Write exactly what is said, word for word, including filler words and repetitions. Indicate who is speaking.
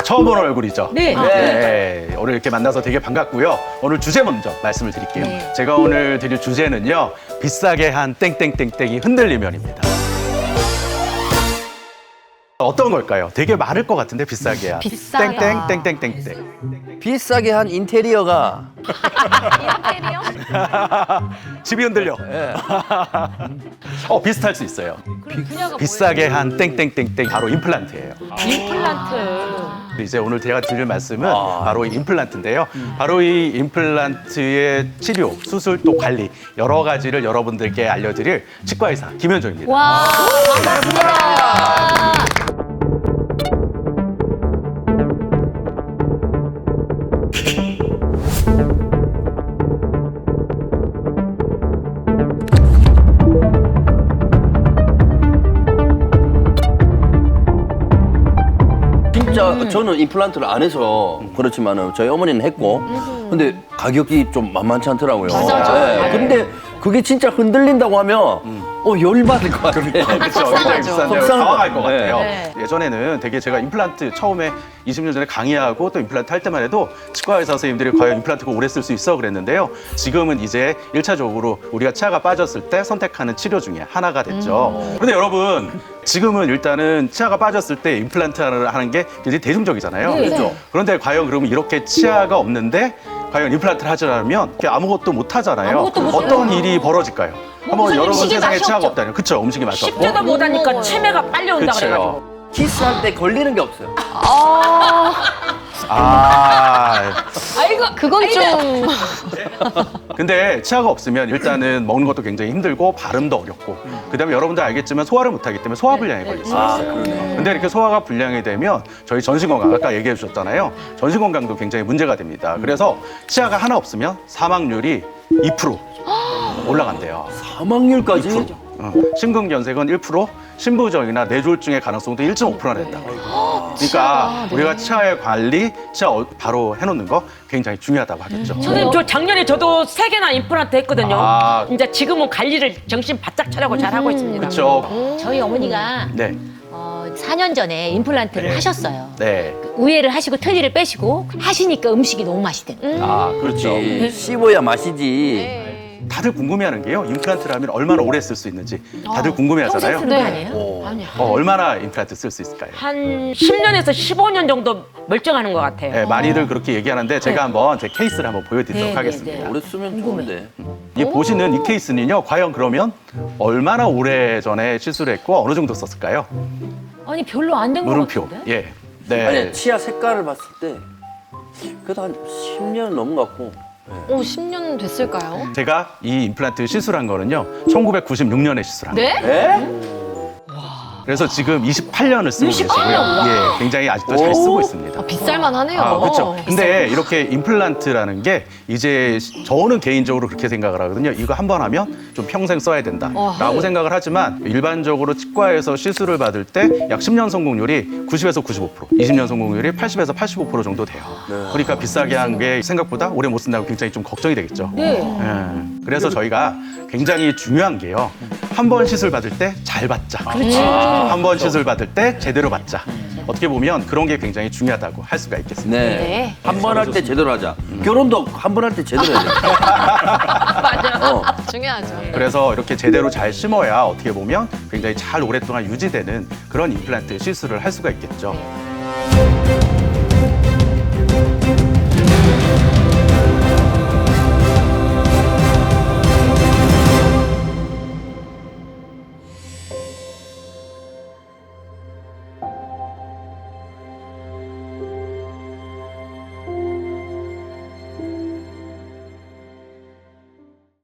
Speaker 1: 처음 보는 얼굴이죠.
Speaker 2: 네.
Speaker 1: 네. 네. 오늘 이렇게 만나서 되게 반갑고요. 오늘 주제 먼저 말씀을 드릴게요.
Speaker 2: 네.
Speaker 1: 제가 오늘 드릴 주제는요. 비싸게 한 땡땡땡땡이 흔들리면입니다. 어떤 걸까요? 되게 많을 것 같은데 비싸게 한
Speaker 2: 비싸게
Speaker 1: 땡땡땡땡땡땡.
Speaker 3: 비싸게 한 인테리어가
Speaker 2: 인테리어?
Speaker 1: 집이 흔들려.
Speaker 3: 예.
Speaker 1: 어 비슷할 수 있어요.
Speaker 2: 분야가
Speaker 1: 비싸게 한 땡땡땡땡 바로 임플란트예요.
Speaker 2: 임플란트.
Speaker 1: 이제 오늘 제가 드릴 말씀은 바로 이 임플란트인데요. 바로 이 임플란트의 치료, 수술 또 관리 여러 가지를 여러분들께 알려드릴 치과 의사 김현종입니다.
Speaker 2: 와, 반갑습니다.
Speaker 3: 진짜 저는 임플란트를 안 해서 그렇지만은 저희 어머니는 했고 근데 가격이 좀 만만치 않더라고요.
Speaker 2: 맞아요.
Speaker 3: 예. 근데 그게 진짜 흔들린다고 하면 어 열받을 것 같아요.
Speaker 1: 그렇죠. 굉장히 비싼데요.
Speaker 3: 속상할
Speaker 1: 당황할 것
Speaker 3: 것 같아요.
Speaker 1: 같아요.
Speaker 2: 네.
Speaker 1: 예전에는 되게 제가 임플란트 처음에 이십 년 전에 강의하고 또 임플란트 할 때만 해도 치과 의사 선생님들이 과연 임플란트가 오래 쓸 수 있어 그랬는데요. 지금은 이제 일차적으로 우리가 치아가 빠졌을 때 선택하는 치료 중에 하나가 됐죠. 그런데 여러분 지금은 일단은 치아가 빠졌을 때 임플란트를 하는 게 굉장히 대중적이잖아요.
Speaker 2: 네.
Speaker 1: 그렇죠. 그런데 과연 그러면 이렇게 치아가 없는데 과연 임플란트를 하자면 아무것도 못 하잖아요.
Speaker 2: 아무것도 못
Speaker 1: 어떤
Speaker 2: 해요.
Speaker 1: 일이 벌어질까요? 한번
Speaker 2: 무슨
Speaker 1: 여러분
Speaker 2: 음식이
Speaker 1: 세상에
Speaker 2: 맛이
Speaker 1: 치아가
Speaker 2: 없죠.
Speaker 1: 없다니. 그쵸? 음식이 맛이 없고.
Speaker 4: 십대도 못하니까 치매가 빨리 온다 그래가지고.
Speaker 1: 그렇죠.
Speaker 3: 키스할 때 걸리는 게 없어요.
Speaker 1: 아,
Speaker 2: 아이고, 그건 좀.
Speaker 1: 근데 치아가 없으면 일단은 먹는 것도 굉장히 힘들고 발음도 어렵고 그다음에 여러분들 알겠지만 소화를 못하기 때문에 소화불량에 걸릴 수 있어요. 근데 이렇게 소화가 불량이 되면 저희 전신건강 아까 얘기해 주셨잖아요. 전신건강도 굉장히 문제가 됩니다. 그래서 치아가 하나 없으면 사망률이 이 퍼센트 올라간대요.
Speaker 3: 사망률까지?
Speaker 1: 어, 심근경색은 일 퍼센트, 신부종이나 뇌졸중의 가능성도 일 점 오 퍼센트나 된다고. 그러니까 우리가 치아의 관리, 치아 어- 바로 해놓는 거 굉장히 중요하다고 하겠죠.
Speaker 4: 선생님 저 작년에 저도 세 개나 임플란트 했거든요.
Speaker 1: 아.
Speaker 4: 이제 지금은 관리를 정신 바짝 차리고 잘 하고 있습니다.
Speaker 1: 그렇죠.
Speaker 5: 저희 어머니가
Speaker 1: 네,
Speaker 5: 어, 사 년 전에 임플란트를 하셨어요.
Speaker 1: 네.
Speaker 5: 우회를 하시고 트리를 빼시고 하시니까 음식이 너무 맛있대요.
Speaker 1: 아, 그렇죠.
Speaker 3: 그렇지. 씹어야 맛이지.
Speaker 1: 다들 궁금해하는 게요. 임플란트를 하면 얼마나 오래 쓸 수 있는지 다들 궁금해하잖아요.
Speaker 5: 평생 쓰는 거 아니에요?
Speaker 1: 어, 얼마나 임플란트 쓸 수 있을까요?
Speaker 4: 한 십 년에서 십오 년 정도 멀쩡하는 것 같아요.
Speaker 1: 네, 많이들 그렇게 얘기하는데 제가 한번 제 케이스를 한번 보여드리도록
Speaker 5: 네,
Speaker 1: 하겠습니다.
Speaker 5: 네,
Speaker 3: 오래 쓰면 좋은데.
Speaker 1: 이 보시는 이 케이스는요. 과연 그러면 얼마나 오래 전에 시술을 했고 어느 정도 썼을까요?
Speaker 5: 아니 별로 안 된 거
Speaker 1: 물음표.
Speaker 5: 같은데?
Speaker 1: 예. 네.
Speaker 3: 아니 치아 색깔을 봤을 때 그래도 한 십 년 넘은 것 같고.
Speaker 2: 오, 십 년 됐을까요?
Speaker 1: 제가 이 임플란트 시술한 거는요. 천구백구십육 년에 시술한 거예요.
Speaker 2: 네?
Speaker 3: 에?
Speaker 1: 그래서 지금 이십팔 년을 쓰고 계시고요. 예, 굉장히 아직도 잘 쓰고 있습니다.
Speaker 2: 아, 비쌀만 하네요.
Speaker 1: 아, 그렇죠. 근데 이렇게 임플란트라는 게 이제 저는 개인적으로 그렇게 생각을 하거든요. 이거 한 번 하면 좀 평생 써야 된다라고 생각을 하지만 일반적으로 치과에서 시술을 받을 때 약 십 년 성공률이 구십에서 구십오 퍼센트, 이십 년 성공률이 팔십에서 팔십오 퍼센트 정도 돼요. 그러니까 비싸게 한 게 생각보다 오래 못 쓴다고 굉장히 좀 걱정이 되겠죠.
Speaker 5: 네.
Speaker 1: 예. 그래서 저희가 굉장히 중요한 게요. 한 번 시술 받을 때 잘 받자. 한 번 시술 받을 때 제대로 받자. 어떻게 보면 그런 게 굉장히 중요하다고 할 수가 있겠습니다.
Speaker 3: 네.
Speaker 2: 네.
Speaker 3: 한 번 할 때 제대로 하자. 결혼도 한 번 할 때 제대로 해야 돼. 맞아. 어.
Speaker 2: 중요하죠.
Speaker 1: 그래서 이렇게 제대로 잘 심어야 어떻게 보면 굉장히 잘 오랫동안 유지되는 그런 임플란트 시술을 할 수가 있겠죠.